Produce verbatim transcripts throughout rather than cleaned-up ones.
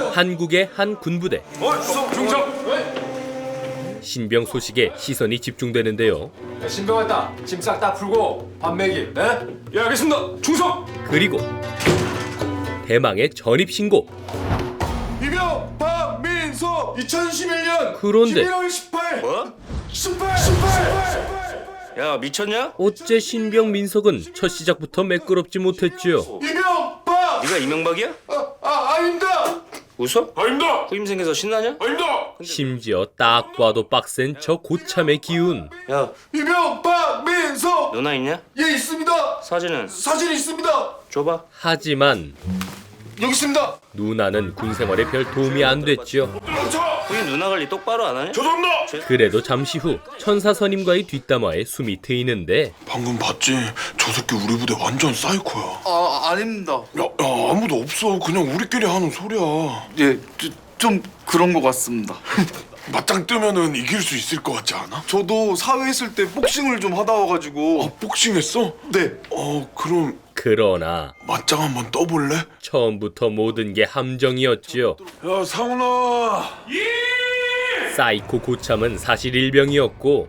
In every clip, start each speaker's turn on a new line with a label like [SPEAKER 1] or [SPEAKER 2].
[SPEAKER 1] 한국의 한 군부대.
[SPEAKER 2] 어, 주성 중성.
[SPEAKER 1] 신병 소식에 시선이 집중되는데요.
[SPEAKER 2] 야, 신병 왔다. 짐 싹 다 풀고 밥 먹이. 네? 예, 알겠습니다. 중성.
[SPEAKER 1] 그리고 대망의 전입 신고.
[SPEAKER 3] 이병 박민서 이천십일 년
[SPEAKER 1] 그런데
[SPEAKER 3] 십일월 십팔.
[SPEAKER 4] 뭐?
[SPEAKER 3] 십팔 십팔.
[SPEAKER 4] 야 미쳤냐?
[SPEAKER 1] 어째 신병 민석은 첫 시작부터 매끄럽지 못했지요.
[SPEAKER 3] 이병 박.
[SPEAKER 4] 네가 이명박이야?
[SPEAKER 3] 아, 아 아닙니다.
[SPEAKER 4] 웃어?
[SPEAKER 2] 아닙니다.
[SPEAKER 4] 후임 생겨서 신나냐?
[SPEAKER 2] 아닙니다.
[SPEAKER 1] 심지어 딱 봐도 빡센 저 고참의 기운.
[SPEAKER 4] 야
[SPEAKER 3] 이병 박민서.
[SPEAKER 4] 누나 있냐?
[SPEAKER 3] 예 있습니다.
[SPEAKER 4] 사진은?
[SPEAKER 3] 사진 있습니다.
[SPEAKER 4] 줘봐.
[SPEAKER 1] 하지만
[SPEAKER 3] 여기 있습니다.
[SPEAKER 1] 누나는 군 생활에 별 도움이 안 됐죠.
[SPEAKER 4] 후임 누나 관리 똑바로 안 하냐?
[SPEAKER 2] 죄송합니다.
[SPEAKER 1] 그래도 잠시 후 천사 선임과의 뒷담화에 숨이 트이는데
[SPEAKER 5] 방금 봤지? 저 새끼 우리 부대 완전 사이코야.
[SPEAKER 3] 아 아닙니다.
[SPEAKER 5] 야, 야 아무도 없어. 그냥 우리끼리 하는 소리야.
[SPEAKER 3] 예, 좀, 좀 그런 것 같습니다.
[SPEAKER 5] 맞짱 뜨면은 이길 수 있을 것 같지 않아?
[SPEAKER 3] 저도 사회 있을 때 복싱을 좀 하다 와가지고.
[SPEAKER 5] 아, 복싱했어?
[SPEAKER 3] 네.
[SPEAKER 5] 어, 그럼
[SPEAKER 1] 그러나
[SPEAKER 5] 맞짱 한번 떠볼래?
[SPEAKER 1] 처음부터 모든 게 함정이었지요.
[SPEAKER 5] 야, 상훈아.
[SPEAKER 1] 사이코 고참은 사실 일병이었고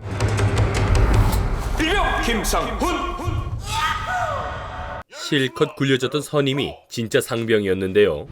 [SPEAKER 2] 일병 김상훈.
[SPEAKER 1] 실컷 굴려졌던 선임이 진짜 상병이었는데요.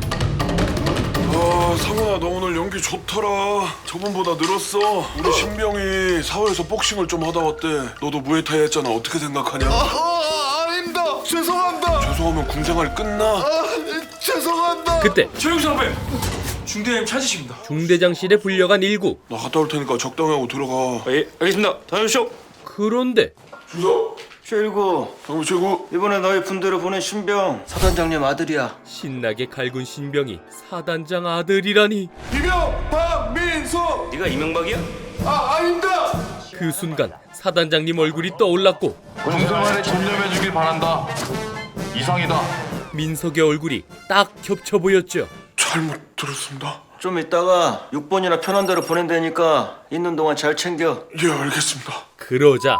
[SPEAKER 5] 아, 상훈아, 너 오늘 연기 좋더라. 저번보다 늘었어. 우리 신병이 사회에서 복싱을 좀 하다 왔대. 너도 무에타이 했잖아. 어떻게 생각하냐?
[SPEAKER 3] 아, 아 아닙니다. 죄송합니다.
[SPEAKER 5] 죄송하면 군생활 끝나.
[SPEAKER 3] 아, 죄송합니다.
[SPEAKER 1] 그때
[SPEAKER 2] 최영수 선배. 중대장님 찾으십니다.
[SPEAKER 1] 중대장실에 불려간 일구.
[SPEAKER 5] 나 갔다 올 테니까 적당히 하고 들어가.
[SPEAKER 4] 예 알겠습니다. 다녀오쇼.
[SPEAKER 1] 그런데
[SPEAKER 5] 주소.
[SPEAKER 4] 최일구
[SPEAKER 5] 상훈 최고.
[SPEAKER 4] 이번에 너희 분대로 보낸 신병 사단장님 아들이야.
[SPEAKER 1] 신나게 갈군 신병이 사단장 아들이라니.
[SPEAKER 3] 이병 박민서.
[SPEAKER 4] 네가 이명박이야?
[SPEAKER 3] 아 아닙니다.
[SPEAKER 1] 그 순간 사단장님 얼굴이 떠올랐고
[SPEAKER 6] 군생활에 전념해주길 바란다. 이상이다.
[SPEAKER 1] 민석의 얼굴이 딱 겹쳐 보였죠.
[SPEAKER 5] 잘못 들었습니다.
[SPEAKER 4] 좀 이따가 육 번이나 편한 대로 보낸다니까 있는 동안 잘 챙겨.
[SPEAKER 5] 예, 알겠습니다.
[SPEAKER 1] 그러자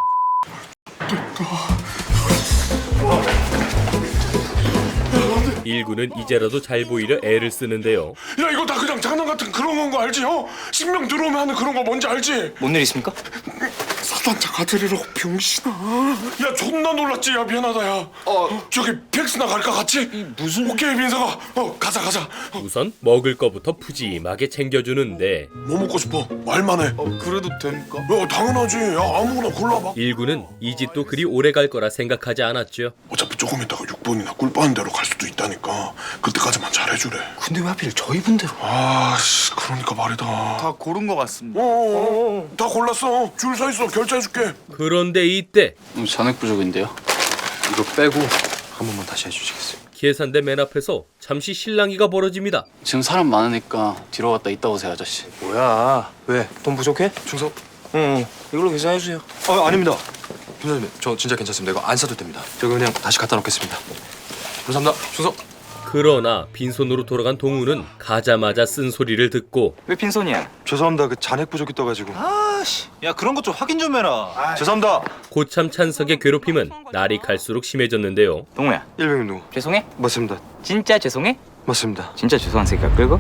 [SPEAKER 1] 일구는 이제라도 잘 보이려 애를 쓰는데요.
[SPEAKER 5] 야, 이거 다 그냥 장난 같은 그런 건 거 알지? 어? 신명 들어오면 하는 그런 거 뭔지 알지?
[SPEAKER 4] 뭔 일 있습니까?
[SPEAKER 5] 사단장 아들이라고 병신아. 야, 존나 놀랐지? 야, 미안하다, 야. 어, 저기 팩스나 갈까 같이? 무슨? 오케이, 민서가. 어, 가자, 가자. 어,
[SPEAKER 1] 우선 먹을 거부터 푸짐하게 챙겨주는데
[SPEAKER 5] 뭐 먹고 싶어? 말만 해.
[SPEAKER 3] 어, 그래도 됩니까?
[SPEAKER 5] 야, 당연하지. 야, 아무거나 골라봐.
[SPEAKER 1] 일구는 이 집도 그리 오래 갈 거라 생각하지 않았죠.
[SPEAKER 5] 어차피 조금 있다가 육 번이나 꿀 빠는 대로 갈 수도 있다니까. 그때까지만 잘해주래.
[SPEAKER 3] 근데 왜 하필 저희 분대로?
[SPEAKER 5] 아, 씨, 그러니까 말이다.
[SPEAKER 3] 다 고른 것 같습니다.
[SPEAKER 5] 어, 어, 어, 다 골랐어. 줄 서 있어. 결제해줄게.
[SPEAKER 1] 그런데 이때
[SPEAKER 7] 잔액 부족인데요. 이거 빼고 한 번만 다시 해주시겠어요?
[SPEAKER 1] 계산대 맨 앞에서 잠시 실랑이가 벌어집니다.
[SPEAKER 7] 지금 사람 많으니까 뒤로 갔다 이따 오세요, 아저씨.
[SPEAKER 4] 뭐야? 왜? 돈 부족해?
[SPEAKER 8] 충성.
[SPEAKER 4] 응. 이걸로 계산해주세요.
[SPEAKER 8] 아 아닙니다. 김사님, 저 진짜 괜찮습니다. 이거 안 사도 됩니다. 저거 그냥 다시 갖다 놓겠습니다. 감사합니다. 충성.
[SPEAKER 1] 그러나 빈손으로 돌아간 동우는 가자마자 쓴 소리를 듣고
[SPEAKER 4] 왜 빈손이야?
[SPEAKER 8] 죄송합니다. 그 잔액 부족이 떠가지고.
[SPEAKER 4] 아씨. 야 그런 것 좀 확인 좀 해라.
[SPEAKER 8] 죄송합니다.
[SPEAKER 1] 고참 찬석의 괴롭힘은 날이 갈수록 심해졌는데요.
[SPEAKER 9] 동우야
[SPEAKER 8] 일병님 누구?
[SPEAKER 9] 죄송해?
[SPEAKER 8] 맞습니다.
[SPEAKER 9] 진짜 죄송해?
[SPEAKER 8] 맞습니다.
[SPEAKER 9] 진짜 죄송한 새끼가 끌고?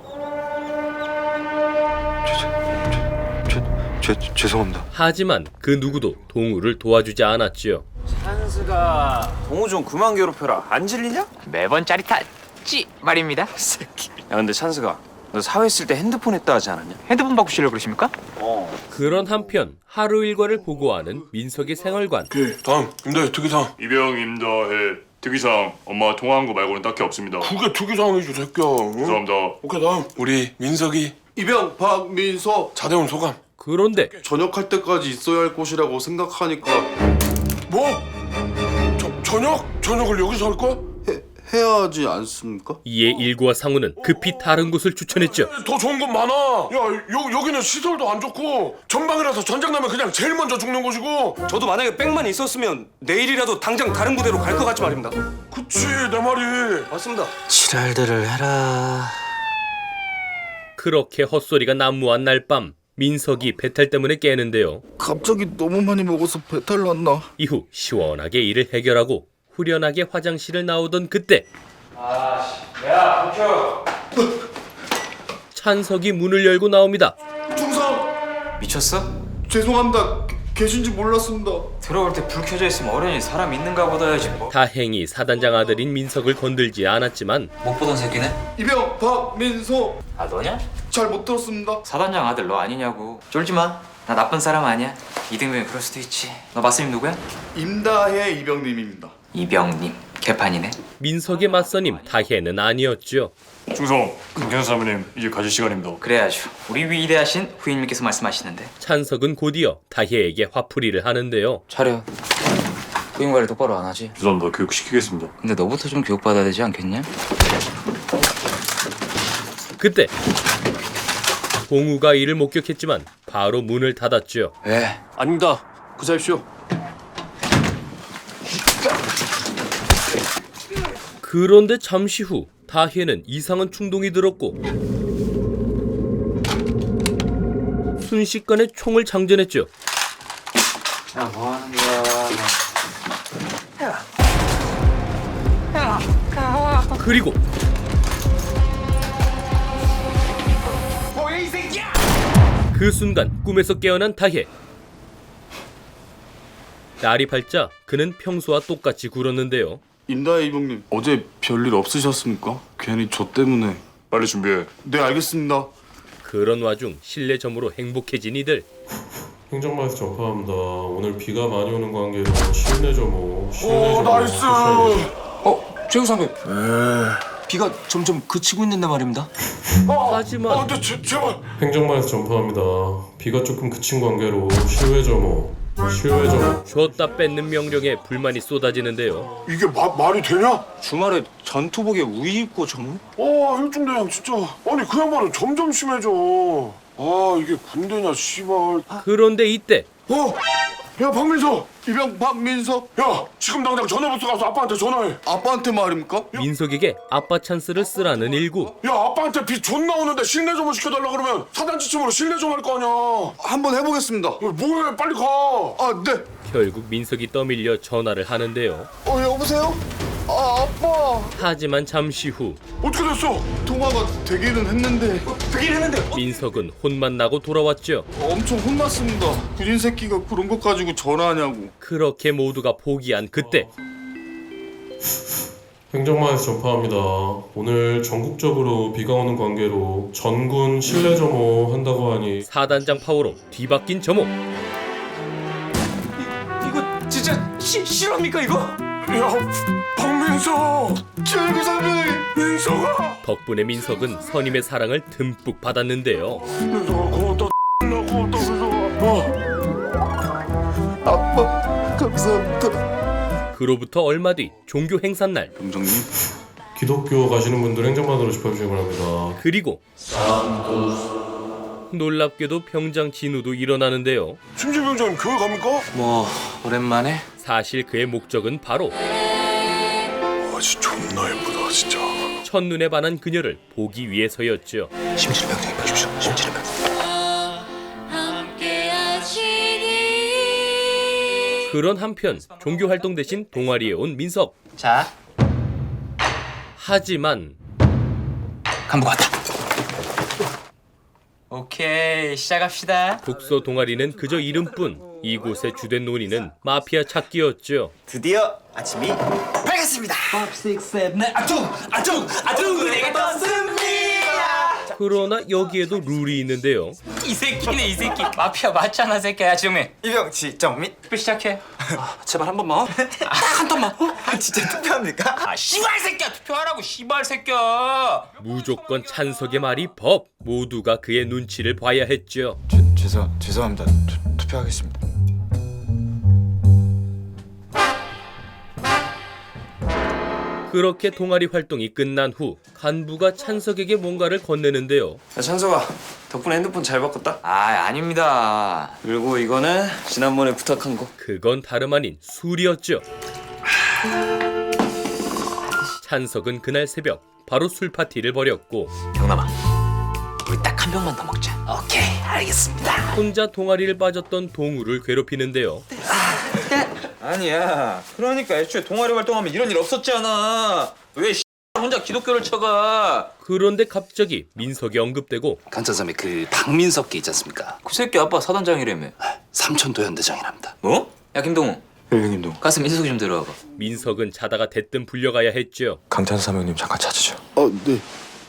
[SPEAKER 8] 죄, 죄, 죄송합니다.
[SPEAKER 1] 하지만 그 누구도 동우를 도와주지 않았지요.
[SPEAKER 4] 찬스가 동우 좀 그만 괴롭혀라. 안 질리냐?
[SPEAKER 9] 매번 짜릿하지 말입니다.
[SPEAKER 4] 야 근데 찬스가 너 사회 있을 때 핸드폰 했다 하지 않았냐?
[SPEAKER 9] 핸드폰 바꾸시려고 그러십니까?
[SPEAKER 4] 어.
[SPEAKER 1] 그런 한편 하루 일과를 보고하는 민석의 생활관.
[SPEAKER 5] 오케이, 다음. 임대 특이상.
[SPEAKER 6] 이병 임다해 특이상 엄마 통화한 거 말고는 딱히 없습니다.
[SPEAKER 5] 그게 특이상이지, 새끼야. 응?
[SPEAKER 6] 죄송합니다.
[SPEAKER 5] 오케이, 다음. 우리 민석이
[SPEAKER 3] 이병 박민서.
[SPEAKER 5] 자대원 소감.
[SPEAKER 1] 그런데
[SPEAKER 3] 전역할 때까지 있어야 할 곳이라고 생각하니까
[SPEAKER 5] 뭐? 저, 저녁? 저녁을 여기서 할 거야?
[SPEAKER 3] 해, 해야 하지 않습니까?
[SPEAKER 1] 이에 일구와 상우는 급히 다른 곳을 추천했죠.
[SPEAKER 5] 더 좋은 건 많아. 야, 여, 여기는 시설도 안 좋고 전방이라서 전쟁 나면 그냥 제일 먼저 죽는 곳이고.
[SPEAKER 4] 저도 만약에 백만 있었으면 내일이라도 당장 다른 부대로 갈 것 같지 말입니다.
[SPEAKER 5] 그치, 내 말이.
[SPEAKER 4] 맞습니다.
[SPEAKER 8] 지랄들을 해라.
[SPEAKER 1] 그렇게 헛소리가 난무한 날 밤 민석이 배탈 때문에 깨는데요.
[SPEAKER 3] 갑자기 너무 많이 먹어서 배탈 났나?
[SPEAKER 1] 이후 시원하게 일을 해결하고 후련하게 화장실을 나오던 그때
[SPEAKER 4] 아씨, 야, 도쿄.
[SPEAKER 1] 찬석이 문을 열고 나옵니다.
[SPEAKER 3] 중상
[SPEAKER 9] 미쳤어?
[SPEAKER 3] 죄송합니다. 계- 계신지 몰랐습니다.
[SPEAKER 9] 들어올 때 불 켜져 있으면 어련히 사람 있는가 보다 해야지 뭐.
[SPEAKER 1] 다행히 사단장 아들인 민석을 건들지 않았지만
[SPEAKER 9] 못 보던 새끼네?
[SPEAKER 3] 이병 박민서
[SPEAKER 9] 아 너냐?
[SPEAKER 3] 잘 못 들었습니다.
[SPEAKER 9] 사단장 아들 너 아니냐고. 쫄지 마. 나 나쁜 사람 아니야. 이등병이 그럴 수도 있지. 너 맞선임 누구야?
[SPEAKER 3] 임다혜 이병님입니다.
[SPEAKER 9] 이병님. 개판이네.
[SPEAKER 1] 민석의 맞선임 다혜는 아니었죠.
[SPEAKER 6] 충성, 김ken사 사모님 이제 가실 시간입니다.
[SPEAKER 9] 그래야죠. 우리 위대하신 후임님께서 말씀하시는데.
[SPEAKER 1] 찬석은 곧이어 다혜에게 화풀이를 하는데요.
[SPEAKER 9] 차려. 후임 관리 똑바로 안 하지.
[SPEAKER 6] 죄송합니다. 교육시키겠습니다.
[SPEAKER 9] 근데 너부터 좀 교육받아야 되지 않겠냐?
[SPEAKER 1] 그때 동우가 이를 목격했지만 바로 문을 닫았죠.
[SPEAKER 9] 왜?
[SPEAKER 7] 아닙니다. 구사십시오.
[SPEAKER 1] 그런데 잠시 후 다혜는 이상한 충동이 들었고 순식간에 총을 장전했죠.
[SPEAKER 9] 야 뭐하는 거야?
[SPEAKER 1] 그리고 그 순간 꿈에서 깨어난 다혜. 날이 밝자 그는 평소와 똑같이 굴었는데요.
[SPEAKER 3] 임다혜 이병님 어제 별일 없으셨습니까? 괜히 저 때문에.
[SPEAKER 6] 빨리 준비해.
[SPEAKER 3] 네 알겠습니다.
[SPEAKER 1] 그런 와중 실내점으로 행복해진 이들.
[SPEAKER 10] 행정마에서 전파합니다. 오늘 비가 많이 오는 관계로 실내 점호, 실내 점호.
[SPEAKER 5] 나이스.
[SPEAKER 8] 어, 최우 선배. 비가 점점 그치고 있는데 말입니다.
[SPEAKER 1] 하지만
[SPEAKER 5] 근데 제, 제발.
[SPEAKER 10] 행정마에서 전파합니다. 비가 조금 그친 관계로 실외 점호, 실외 점호.
[SPEAKER 1] 줬다 뺏는 명령에 불만이 쏟아지는데요.
[SPEAKER 5] 이게 마, 말이 되냐?
[SPEAKER 3] 주말에 전투복에 우이 입고 전무?
[SPEAKER 5] 아 일중대장 진짜. 아니 그 양반은 점점 심해져. 아 이게 군대냐 씨발.
[SPEAKER 1] 그런데 이때
[SPEAKER 5] 어? 야 박민서.
[SPEAKER 3] 이병 박민서
[SPEAKER 5] 야 지금 당장 전화부터 가서 아빠한테 전화해.
[SPEAKER 3] 아빠한테 말입니까?
[SPEAKER 1] 민석에게 아빠 찬스를 쓰라는 일구.
[SPEAKER 5] 야 아빠한테 비 존나 오는데 실내 점호 시켜달라 그러면 사단 지침으로 실내 좀 할 거 아니야.
[SPEAKER 3] 한번 해보겠습니다.
[SPEAKER 5] 야, 뭐해 빨리 가.
[SPEAKER 3] 아 네.
[SPEAKER 1] 결국 민석이 떠밀려 전화를 하는데요.
[SPEAKER 3] 어 여보세요? 아 아빠.
[SPEAKER 1] 하지만 잠시 후
[SPEAKER 5] 어떻게 됐어?
[SPEAKER 3] 통화가 되기는 했는데
[SPEAKER 1] 민석은 혼만 나고 돌아왔죠.
[SPEAKER 3] 엄청 혼났습니다. 구린 새끼가 그런 것 가지고 전화하냐고.
[SPEAKER 1] 그렇게 모두가 포기한 그때
[SPEAKER 10] 행정마에서 전파합니다. 오늘 전국적으로 비가 오는 관계로 전군 실내 점호 한다고 하니
[SPEAKER 1] 사단장 파워로 뒤바뀐 점호.
[SPEAKER 9] 이거 진짜 시, 실화입니까 이거?
[SPEAKER 5] 야 박민서.
[SPEAKER 3] 최고 선배.
[SPEAKER 5] 민서가.
[SPEAKER 1] 덕분에 민석은 선임의 사랑을 듬뿍 받았는데요.
[SPEAKER 5] 민서가 고맙다. 나 고맙다 민서가. 어.
[SPEAKER 3] 아빠 감사합니다.
[SPEAKER 1] 그로부터 얼마 뒤 종교 행사날.
[SPEAKER 3] 병장님.
[SPEAKER 10] 기독교 가시는 분들 행정마으로 집합주시기 바랍니다.
[SPEAKER 1] 그리고 놀랍게도 병장 진우도 일어나는데요.
[SPEAKER 5] 심지 병장님 교회 갑니까?
[SPEAKER 8] 뭐 오랜만에.
[SPEAKER 1] 사실 그의 목적은 바로
[SPEAKER 5] 아지 존나 예쁘다 진짜.
[SPEAKER 1] 첫눈에 반한 그녀를 보기 위해서였죠.
[SPEAKER 8] 심지를 병장님 보십시오. 심지를 병.
[SPEAKER 1] 그런 한편 종교 활동 대신 동아리에 온 민석.
[SPEAKER 9] 자,
[SPEAKER 1] 하지만
[SPEAKER 9] 간부 왔다. 오케이, 시작합시다.
[SPEAKER 1] 독서 동아리는 그저 이름뿐. 이곳의 주된 논의는 마피아 찾기였죠.
[SPEAKER 4] 드디어 아침이 밝았습니다.
[SPEAKER 9] 내가 떴습니다.
[SPEAKER 1] 그러나 여기에도 룰이 있는데요.
[SPEAKER 9] 이 새끼네 이 새끼. 마피아 맞잖아 새끼야. 지금이
[SPEAKER 4] 이병 지정민.
[SPEAKER 9] 투표 시작해.
[SPEAKER 8] 제발 한 번만. 한 번만.
[SPEAKER 4] 아 진짜 투표합니까?
[SPEAKER 9] 아 씨발 새끼야 투표하라고 씨발 새끼야.
[SPEAKER 1] 무조건 찬석의 말이 법. 모두가 그의 눈치를 봐야 했죠.
[SPEAKER 4] 죄, 죄송 죄송합니다. 투, 투표하겠습니다.
[SPEAKER 1] 그렇게 동아리 활동이 끝난 후 간부가 찬석에게 뭔가를 건네는데요.
[SPEAKER 4] 야 찬석아 덕분에 핸드폰 잘 바꿨다.
[SPEAKER 9] 아 아닙니다.
[SPEAKER 4] 그리고 이거는 지난번에 부탁한 거.
[SPEAKER 1] 그건 다름 아닌 술이었죠. 찬석은 그날 새벽 바로 술 파티를 벌였고
[SPEAKER 9] 병남아 우리 딱 한 병만 더 먹자. 오케이 알겠습니다.
[SPEAKER 1] 혼자 동아리를 빠졌던 동우를 괴롭히는데요.
[SPEAKER 9] 아니야 그러니까 애초에 동아리 활동하면 이런 일 없었잖아. 왜 혼자
[SPEAKER 11] 기독교를 쳐가.
[SPEAKER 1] 그런데 갑자기 민석이 언급되고
[SPEAKER 7] 간짜삼에 그 박민석 게 있지 않습니까?
[SPEAKER 9] 그 새끼 아빠 사단장이라며.
[SPEAKER 7] 삼천도 현대장이랍니다.
[SPEAKER 9] 뭐? 야 김동우.
[SPEAKER 8] 예, 형님도.
[SPEAKER 9] 가서 민석이 좀 데려와봐.
[SPEAKER 1] 민석은 자다가 대뜸 불려가야 했죠.
[SPEAKER 8] 강찬삼 형님 잠깐 찾으죠.
[SPEAKER 3] 아, 네.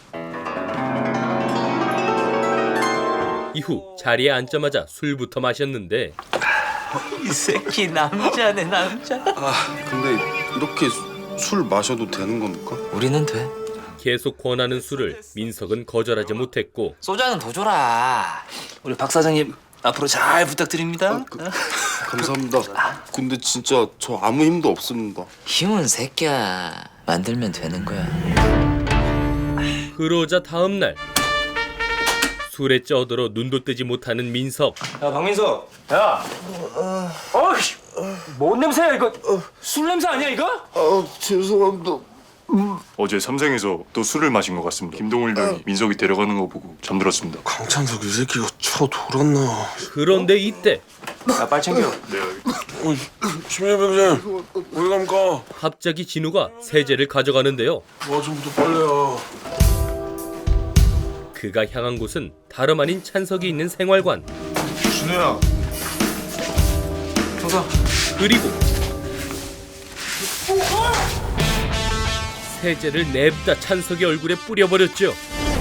[SPEAKER 1] 이후 자리에 앉자마자 술부터 마셨는데
[SPEAKER 9] 이 새끼 남자네 남자.
[SPEAKER 3] 아, 근데 이렇게 수, 술 마셔도 되는 겁니까?
[SPEAKER 9] 우리는 돼.
[SPEAKER 1] 계속 권하는 술을 민석은 거절하지 못했고
[SPEAKER 9] 소주는 더 줘라.
[SPEAKER 11] 우리 박 사장님 앞으로 잘 부탁드립니다.
[SPEAKER 3] 아, 그, 감사합니다. 근데 진짜 저 아무 힘도 없습니다.
[SPEAKER 9] 힘은 새끼야. 만들면 되는 거야.
[SPEAKER 1] 그러자 다음날 술에 쪄들어 눈도 뜨지 못하는 민석.
[SPEAKER 2] 야 박민석. 야. 어이씨. 뭔 냄새야 이거? 술 냄새 아니야 이거?
[SPEAKER 3] 아, 죄송합니다.
[SPEAKER 6] 어제 삼생에서 또 술을 마신 것 같습니다. 김동훈 형이 민석이 데려가는 거 보고 잠들었습니다.
[SPEAKER 5] 강찬석 이 새끼가 쳐 돌았나?
[SPEAKER 1] 그런데 이때
[SPEAKER 2] 야 빨리 챙겨.
[SPEAKER 6] 네, 알겠습니다.
[SPEAKER 5] 심리병장 어디 갑니까?
[SPEAKER 1] 갑자기 진우가 세제를 가져가는데요.
[SPEAKER 5] 아침부터 빨래야.
[SPEAKER 1] 그가 향한 곳은 다름 아닌 찬석이 있는 생활관.
[SPEAKER 5] 진우야.
[SPEAKER 9] 형사.
[SPEAKER 1] 그리고 세제를 냅다 찬석의 얼굴에 뿌려버렸죠.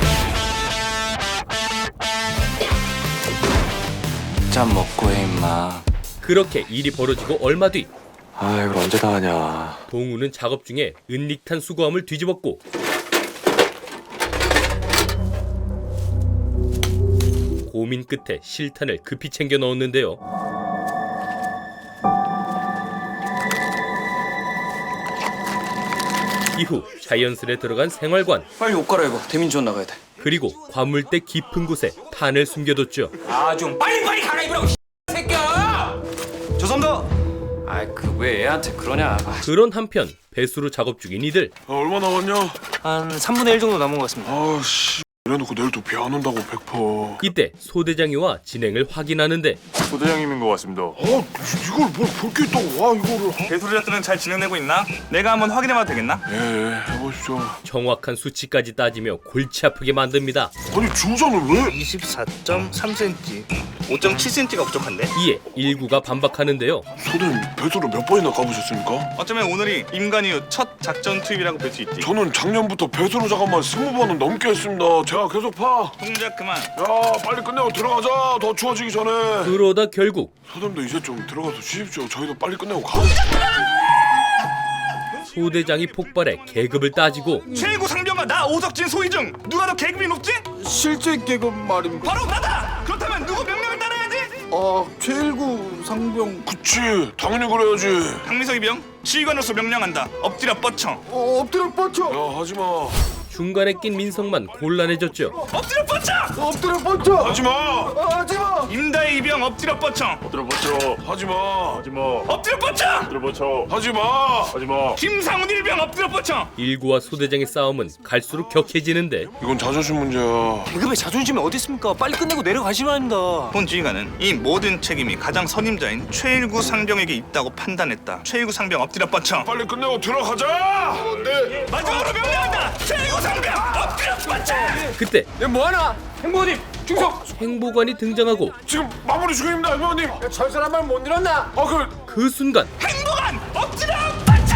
[SPEAKER 11] 짠 먹고 해 임마.
[SPEAKER 1] 그렇게 일이 벌어지고 얼마 뒤
[SPEAKER 8] 아, 이걸 언제 다 하냐.
[SPEAKER 1] 동우는 작업 중에 은닉탄 수거함을 뒤집었고 고민 끝에 실탄을 급히 챙겨 넣었는데요. 이후 자연스레 들어간 생활관.
[SPEAKER 11] 빨리 옷 갈아입어. 대민지원 나가야 돼.
[SPEAKER 1] 그리고 과물대 깊은 곳에 탄을 숨겨뒀죠.
[SPEAKER 2] 아 좀 빨리 빨리 갈아입으라고 새끼야.
[SPEAKER 11] 죄송합니다.
[SPEAKER 9] 아이 그 왜 애한테 그러냐.
[SPEAKER 1] 그런 한편 배수로 작업 중인 이들.
[SPEAKER 5] 아, 얼마 남았냐?
[SPEAKER 11] 한 삼분의 일 정도 남은 것 같습니다.
[SPEAKER 5] 아씨. 이래놓고 내일 또 비 안 온다고 백 퍼센트.
[SPEAKER 1] 이때 소대장이와 진행을 확인하는데
[SPEAKER 6] 소대장님인 것 같습니다.
[SPEAKER 5] 아, 이걸 뭘 볼 게 있다고 와 이거를.
[SPEAKER 12] 배수로 작전은 잘 진행되고 있나? 내가 한번 확인해봐도 되겠나?
[SPEAKER 5] 예, 예, 해보시죠.
[SPEAKER 1] 정확한 수치까지 따지며 골치 아프게 만듭니다.
[SPEAKER 5] 아니 중장은 왜?
[SPEAKER 12] 이십사 점 삼 센티미터, 오 점 칠 센티미터가 부족한데?
[SPEAKER 1] 이에 일구가 반박하는데요.
[SPEAKER 5] 소대님 배수를 몇 번이나 까보셨습니까?
[SPEAKER 12] 어쩌면 오늘이 임관 이후 첫 작전 투입이라고 볼 수 있지.
[SPEAKER 5] 저는 작년부터 배수로 작업만 스무 번은 넘게 했습니다. 제가 계속 파.
[SPEAKER 12] 동작 그만.
[SPEAKER 5] 야, 빨리 끝내고 들어가자. 더 추워지기 전에.
[SPEAKER 1] 그러다 결국
[SPEAKER 5] 소대님도 이제 좀 들어가서 쉬십시오. 저희도 빨리 끝내고 가.
[SPEAKER 1] 소대장이 폭발해 계급을 따지고
[SPEAKER 12] 최고 상병과 나 오석진 소희중 누가 더 계급이 높지?
[SPEAKER 3] 실제 계급 말입니다.
[SPEAKER 12] 바로 나다. 그렇다면 누구 명령을 따라야지?
[SPEAKER 3] 아, 최일구 상병.
[SPEAKER 5] 그치, 당연히 그래야지.
[SPEAKER 12] 강민석 이병 지휘관으로서 명령한다. 엎드려 뻗쳐.
[SPEAKER 3] 어, 엎드려 뻗쳐.
[SPEAKER 5] 야, 하지마.
[SPEAKER 1] 중간에 낀 민석만 곤란해졌죠.
[SPEAKER 12] 엎드려 뻗쳐.
[SPEAKER 3] 엎드려 뻗쳐.
[SPEAKER 5] 하지마.
[SPEAKER 3] 아, 하지마.
[SPEAKER 12] 임다희 이병 엎드려 뻗쳐.
[SPEAKER 6] 엎드려 뻗쳐.
[SPEAKER 5] 하지마.
[SPEAKER 6] 하지마.
[SPEAKER 12] 엎드려 뻗쳐.
[SPEAKER 6] 엎드려 뻗쳐.
[SPEAKER 5] 하지마.
[SPEAKER 6] 하지마.
[SPEAKER 12] 김상훈 일병 엎드려 뻗쳐.
[SPEAKER 1] 일구와 소대장의 싸움은 갈수록 격해지는데
[SPEAKER 5] 이건 자존심 문제야.
[SPEAKER 11] 계급의 자존심이 어디 있습니까? 빨리 끝내고 내려가시면 합니다.
[SPEAKER 12] 본 지휘관은 이 모든 책임이 가장 선임자인 최일구 상병에게 있다고 판단했다. 최일구 상병 엎드려 뻗쳐.
[SPEAKER 5] 빨리 끝내고 들어가자. 네.
[SPEAKER 12] 마지막으로 명령한다. 최일구 상병 엎드려 뻗쳐.
[SPEAKER 1] 그때
[SPEAKER 2] 뭐하나? 행보님 충성.
[SPEAKER 1] 행보관이 등장하고
[SPEAKER 5] 지금 마무리 중입니다, 회원님.
[SPEAKER 2] 철선 한 발 못 잃었나?
[SPEAKER 5] 아, 그
[SPEAKER 1] 그 순간
[SPEAKER 12] 행보관 엎드려 뻗쳐.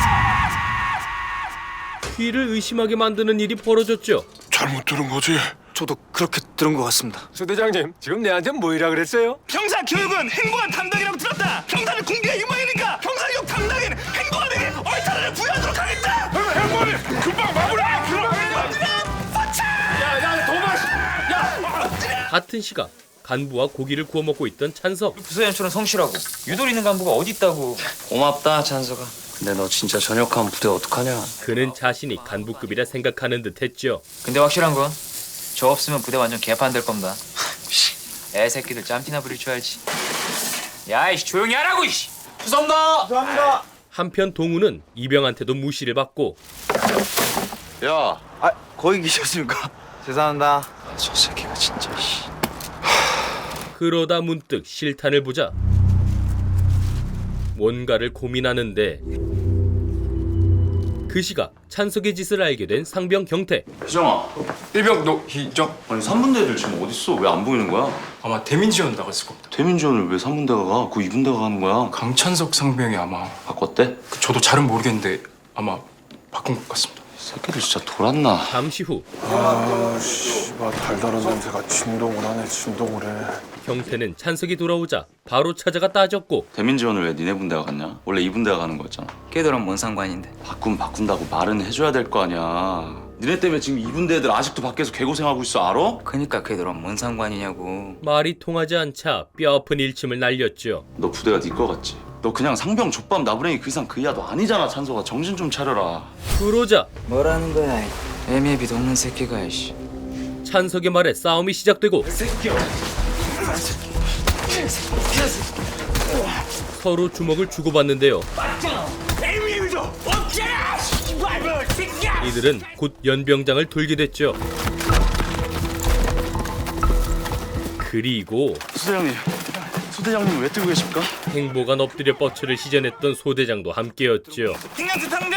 [SPEAKER 1] 귀를 의심하게 만드는 일이 벌어졌죠.
[SPEAKER 5] 잘못 들은 거지?
[SPEAKER 11] 저도 그렇게 들은 것 같습니다.
[SPEAKER 2] 소대장님 지금 내한테 뭐이라 그랬어요?
[SPEAKER 12] 병사 교육은 행보관 담당이라고 들었다. 병사를 공개가 유망이니까 병사 교육 담당인 행보관에게 얼타를 부여하도록 하겠다.
[SPEAKER 5] 회원님, 금방 마무리.
[SPEAKER 2] 야야 도마시.
[SPEAKER 1] 같은 시각 간부와 고기를 구워 먹고 있던 찬석.
[SPEAKER 9] 부서연처럼 성실하고 유도리 있는 간부가 어디 있다고.
[SPEAKER 4] 고맙다 찬석아. 근데 너 진짜 전역하면 부대 어떡하냐?
[SPEAKER 1] 그는 자신이 간부급이라 생각하는 듯했죠.
[SPEAKER 9] 근데 확실한 건 저 없으면 부대 완전 개판 될 겁니다. 애 새끼들 짬티나 부릴 줄 알지. 야이씨 조용히 하라고 이씨.
[SPEAKER 2] 죄송합니다. 죄송합니다.
[SPEAKER 1] 한편 동우는 이병한테도 무시를 받고
[SPEAKER 11] 야, 아 거기 계셨습니까? 죄송합니다.
[SPEAKER 4] 저 새끼가 진짜 씨.
[SPEAKER 1] 그러다 문득 실탄을 보자 뭔가를 고민하는데 그 시각 찬석의 짓을 알게 된 상병 경태.
[SPEAKER 7] 희정아. 일병 너 희정?
[SPEAKER 3] 아니 삼 분대들 지금 어딨어? 왜 안 보이는 거야?
[SPEAKER 7] 아마 대민지원 나갔을 겁니다.
[SPEAKER 3] 대민지원을 왜 삼 분대가 가? 그 이 분대가 가는 거야?
[SPEAKER 7] 강찬석 상병이 아마
[SPEAKER 3] 바꿨대?
[SPEAKER 7] 그 저도 잘은 모르겠는데 아마 바꾼 것 같습니다.
[SPEAKER 3] 새끼들 진짜 돌았나?
[SPEAKER 1] 잠시 후
[SPEAKER 5] 아, 씨발 달달한 냄새가 진동을 하네, 진동을 해.
[SPEAKER 1] 경태는 찬석이 돌아오자 바로 찾아가 따졌고
[SPEAKER 3] 대민지원을 왜 니네 분대가 갔냐? 원래 이 분대가 가는 거였잖아.
[SPEAKER 9] 걔들은 뭔 상관인데?
[SPEAKER 3] 바꾸면 바꾼다고 말은 해줘야 될 거 아니야. 니네 때문에 지금 이 분대 애들 아직도 밖에서 개고생하고 있어, 알아?
[SPEAKER 9] 그니까 걔들은 뭔 상관이냐고.
[SPEAKER 1] 말이 통하지 않자 뼈아픈 일침을 날렸죠.
[SPEAKER 3] 너 부대가 네 거 같지? 너 그냥 상병 족밥 나부랭이 그 이상 그 이하도 아니잖아. 찬석아, 정신 좀 차려라.
[SPEAKER 1] 그러자
[SPEAKER 9] 뭐라는 거야? 애미애비도 없는 새끼가 이씨.
[SPEAKER 1] 찬석의 말에 싸움이 시작되고 서로 주먹을 주고받는데요. 이들은 곧 연병장을 돌게 됐죠. 그리고
[SPEAKER 3] 소대장님, 소대장님 왜 뜨고 계십니까?
[SPEAKER 1] 행보가 엎드려 뻗쳐를 시전했던 소대장도 함께였죠.
[SPEAKER 12] 김양태 당장!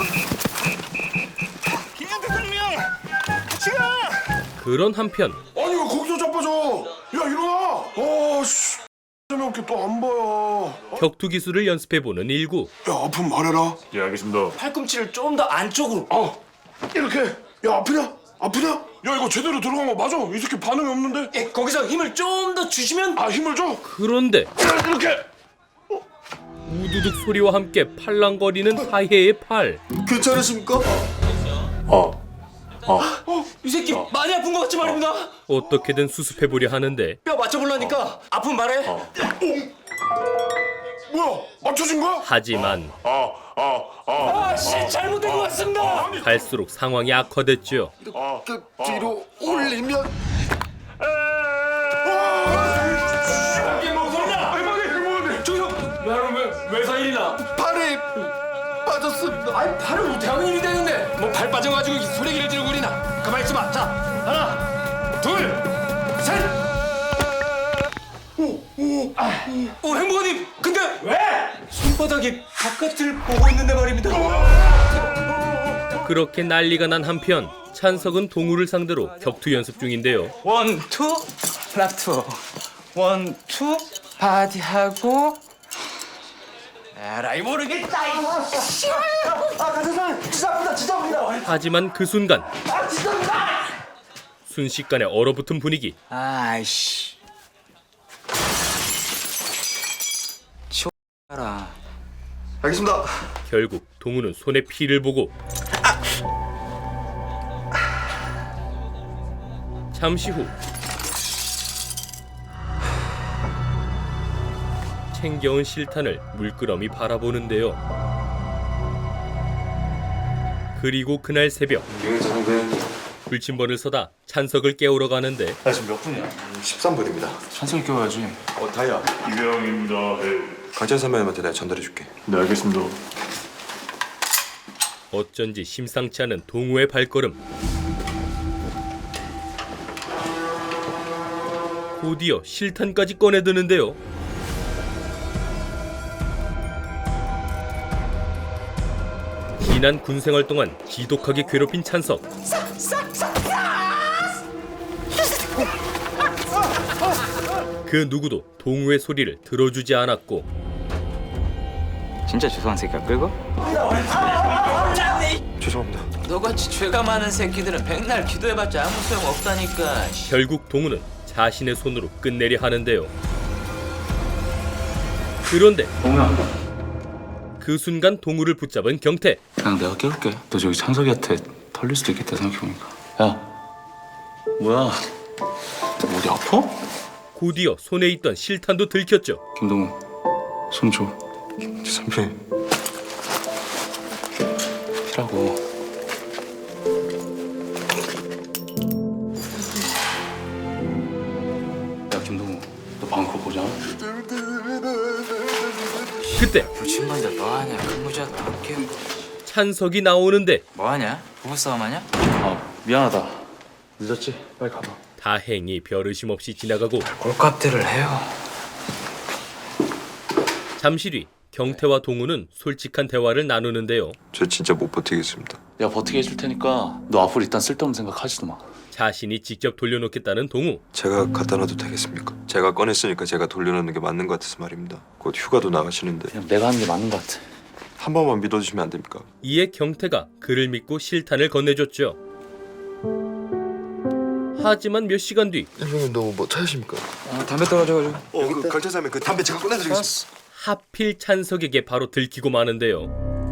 [SPEAKER 12] 김양태 당장! 지금!
[SPEAKER 1] 그런 한편
[SPEAKER 5] 아니 왜 거기서 자빠져? 야 일어나! 아 씨. 재미없게 또 안 봐요.
[SPEAKER 1] 격투 기술을 연습해보는 일구.
[SPEAKER 5] 야 아프면 말해라.
[SPEAKER 6] 예, 알겠습니다.
[SPEAKER 11] 팔꿈치를 좀 더 안쪽으로.
[SPEAKER 5] 아 이렇게. 야 아프냐? 아프냐? 야 이거 제대로 들어간 거 맞아? 이 새끼 반응이 없는데?
[SPEAKER 11] 예, 거기서 힘을 좀 더 주시면.
[SPEAKER 5] 아 힘을 줘.
[SPEAKER 1] 그런데
[SPEAKER 5] 이렇게.
[SPEAKER 1] 우두둑 소리와 함께 팔랑거리는 하해의 팔.
[SPEAKER 3] 괜찮으십니까?
[SPEAKER 6] 어. 어.
[SPEAKER 11] 어, 이 새끼 많이 아픈 것 같지 말입니다.
[SPEAKER 1] 어떻게든 수습해보려 하는데
[SPEAKER 11] 뼈 맞춰보려니까 아픈 말해.
[SPEAKER 5] 뭐야? 맞춰진 거야?
[SPEAKER 1] 하지만
[SPEAKER 6] 어. 어. 어.
[SPEAKER 11] 아씨 잘못된 것 같습니다.
[SPEAKER 1] 갈수록 상황이 악화됐죠.
[SPEAKER 5] 그 뒤로 올리면. 발이 빠졌습니다.
[SPEAKER 11] 아니 발은 어떻게 일이 되는데? 뭐 발 빠져가지고 소리기를 지르고 그러나? 가만히 있어봐. 자 하나, 둘, 셋. 오, 오, 아, 오 행복아님. 근데 왜? 손바닥이 바깥을 보고 있는데 말입니다.
[SPEAKER 1] 그렇게 난리가 난 한편 찬석은 동우를 상대로 격투 연습 중인데요.
[SPEAKER 9] 원, 투, 플라투. 원, 투, 바디하고. 에라이 모르겠다. 이
[SPEAKER 1] 하지만 그 순간 순식간에 얼어붙은 분위기.
[SPEAKER 9] 아이씨. 치워라.
[SPEAKER 3] 알겠습니다.
[SPEAKER 1] 결국 동우는 손에 피를 보고 잠시 후 챙겨온 실탄을 물끄러미 바라보는데요. 그리고 그날 새벽 불침번을 서다 찬석을 깨우러 가는데
[SPEAKER 3] 나 지금 몇 분이야?
[SPEAKER 7] 십삼 분입니다.
[SPEAKER 3] 찬석이 깨워야지.
[SPEAKER 7] 어 다이야.
[SPEAKER 6] 이병입니다. 네.
[SPEAKER 7] 강찬 선배님한테 내가 전달해 줄게.
[SPEAKER 6] 네, 알겠습니다.
[SPEAKER 1] 어쩐지 심상치 않은 동우의 발걸음. 곧이어 실탄까지 꺼내드는데요. 지난 군생활 동안 지독하게 괴롭힌 찬석. 그 누구도 동우의 소리를 들어주지 않았고
[SPEAKER 9] 진짜 죄송한 새끼야 끌고?
[SPEAKER 7] 죄송합니다.
[SPEAKER 9] 너같이 죄가 많은 새끼들은 백날 기도해봤자 아무 소용 없다니까.
[SPEAKER 1] 결국 동우는 자신의 손으로 끝내려 하는데요. 그런데 그 순간 동우를 붙잡은 경태.
[SPEAKER 3] 그냥 내가 깨울게. 너 저기 찬석이한테 털릴 수도 있겠다 생각해보니까. 야, 뭐야? 너 어디 아파?
[SPEAKER 1] 곧이어 손에 있던 실탄도 들켰죠.
[SPEAKER 3] 김동우, 손 줘.
[SPEAKER 7] 선배님.
[SPEAKER 3] 피라고. 야, 김동우, 너 방금 그거 보자.
[SPEAKER 1] 그때
[SPEAKER 9] 불침번들 뭐하냐? 근무자도 함께
[SPEAKER 1] 찬석이 나오는데
[SPEAKER 9] 뭐하냐? 부부싸움하냐?
[SPEAKER 3] 아, 미안하다. 늦었지? 빨리 가봐.
[SPEAKER 1] 다행히 별의심 없이 지나가고
[SPEAKER 9] 꼴값들을 해요.
[SPEAKER 1] 잠시 뒤 경태와 동우는 솔직한 대화를 나누는데요.
[SPEAKER 6] 저 진짜 못 버티겠습니다.
[SPEAKER 3] 내가 버티게 해줄 테니까 너 앞으로 일단 쓸데없는 생각하지도 마.
[SPEAKER 1] 자신이 직접 돌려놓겠다는 동우.
[SPEAKER 6] 제가 갖다 놔도 되겠습니까? 제가 꺼냈으니까 제가 돌려놓는 게 맞는 것 같아서 말입니다. 곧 휴가도 나가시는데
[SPEAKER 3] 그냥 내가 하는 게 맞는 것 같아.
[SPEAKER 6] 한 번만 믿어주시면 안 됩니까?
[SPEAKER 1] 이에 경태가 그를 믿고 실탄을 건네줬죠. 하지만 몇 시간 뒤
[SPEAKER 7] 형님 너 뭐 찾으십니까?
[SPEAKER 11] 아, 담배 떨어져가지고.
[SPEAKER 6] 어, 그 경찰서면 그 담배 제가 꺼내드리겠습니다.
[SPEAKER 1] 하필 찬석에게 바로 들키고 마는데요.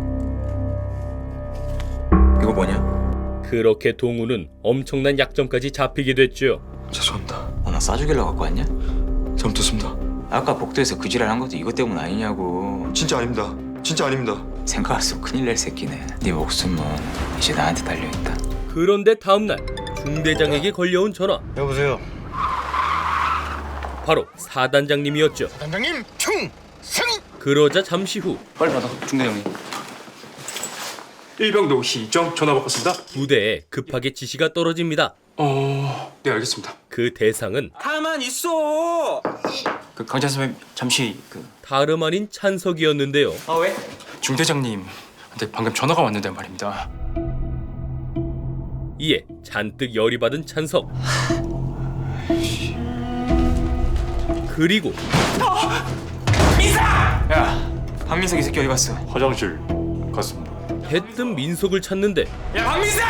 [SPEAKER 11] 이거 뭐냐?
[SPEAKER 1] 그렇게 동우는 엄청난 약점까지 잡히게 됐죠.
[SPEAKER 7] 죄송합니다.
[SPEAKER 11] 어, 나 싸주길래 갖고 왔냐?
[SPEAKER 7] 잘못했습니다.
[SPEAKER 11] 아까 복도에서 그 지랄 한 것도 이것 때문 아니냐고.
[SPEAKER 6] 진짜 아닙니다. 진짜 아닙니다.
[SPEAKER 11] 생각할수록 큰일 날 새끼네. 네 목숨은 이제 나한테 달려있다.
[SPEAKER 1] 그런데 다음날 중대장에게 걸려온 전화.
[SPEAKER 12] 여보세요.
[SPEAKER 1] 바로 사단장님이었죠.
[SPEAKER 12] 단장님 충성.
[SPEAKER 1] 그러자 잠시 후
[SPEAKER 3] 빨리 받아, 중대장님.
[SPEAKER 10] 일병도 희정 전화 바꿨습니다.
[SPEAKER 1] 부대에 급하게 지시가 떨어집니다.
[SPEAKER 10] 어, 네 알겠습니다.
[SPEAKER 1] 그 대상은
[SPEAKER 2] 가만 있어.
[SPEAKER 11] 그 강찬 선배 잠시 그.
[SPEAKER 1] 다름 아닌 찬석이었는데요.
[SPEAKER 11] 아 왜?
[SPEAKER 10] 중대장님한테 방금 전화가 왔는데 말입니다.
[SPEAKER 1] 이에 잔뜩 열이 받은 찬석. 그리고
[SPEAKER 11] 야, 박민석 이 새끼 어디 갔어?
[SPEAKER 6] 화장실 갔습니다.
[SPEAKER 1] 대뜸 민석을 찾는데
[SPEAKER 11] 야, 박민석!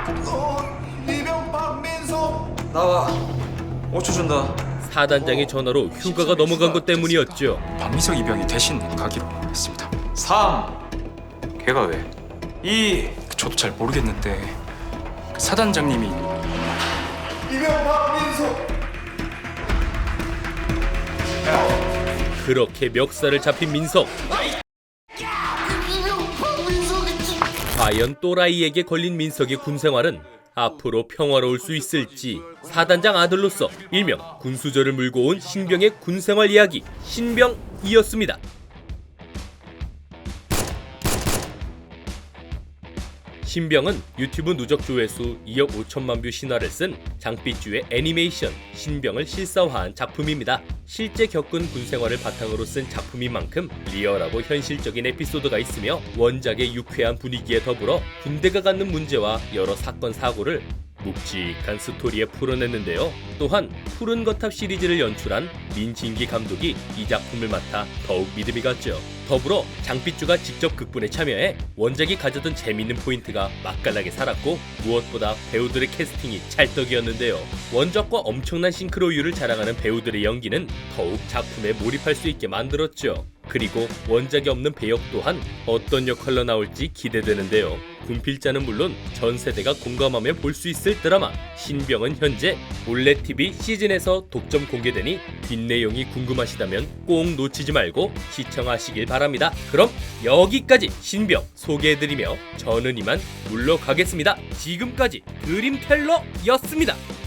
[SPEAKER 12] 이병 박민석.
[SPEAKER 11] 나와. 오 초 준다.
[SPEAKER 1] 사단장의 전화로 휴가가 넘어간 것 때문이었죠.
[SPEAKER 10] 박민석 이병이 대신 가기로 했습니다.
[SPEAKER 11] 삼. 걔가 왜? 이.
[SPEAKER 10] 저도 잘 모르겠는데 사단장님이
[SPEAKER 12] 이병 박민석.
[SPEAKER 1] 그렇게 멱살을 잡힌 민석. 과연 또라이에게 걸린 민석의 군생활은 앞으로 평화로울 수 있을지. 사단장 아들로서 일명 군수저를 물고 온 신병의 군생활 이야기 신병이었습니다. 신병은 유튜브 누적 조회수 이억 오천만 뷰 신화를 쓴 장삐쭈의 애니메이션 신병을 실사화한 작품입니다. 실제 겪은 군생활을 바탕으로 쓴 작품인 만큼 리얼하고 현실적인 에피소드가 있으며 원작의 유쾌한 분위기에 더불어 군대가 갖는 문제와 여러 사건 사고를 묵직한 스토리에 풀어냈는데요. 또한 푸른 거탑 시리즈를 연출한 민진기 감독이 이 작품을 맡아 더욱 믿음이 갔죠. 더불어 장삐쭈가 직접 극본에 참여해 원작이 가져던 재밌는 포인트가 맛깔나게 살았고 무엇보다 배우들의 캐스팅이 찰떡이었는데요. 원작과 엄청난 싱크로율을 자랑하는 배우들의 연기는 더욱 작품에 몰입할 수 있게 만들었죠. 그리고 원작이 없는 배역 또한 어떤 역할로 나올지 기대되는데요. 군필자는 물론 전 세대가 공감하며 볼 수 있을 드라마 신병은 현재 몰래티비 시즌에서 독점 공개되니 뒷내용이 궁금하시다면 꼭 놓치지 말고 시청하시길 바랍니다. 그럼 여기까지 신병 소개해드리며 저는 이만 물러가겠습니다. 지금까지 드림텔러였습니다.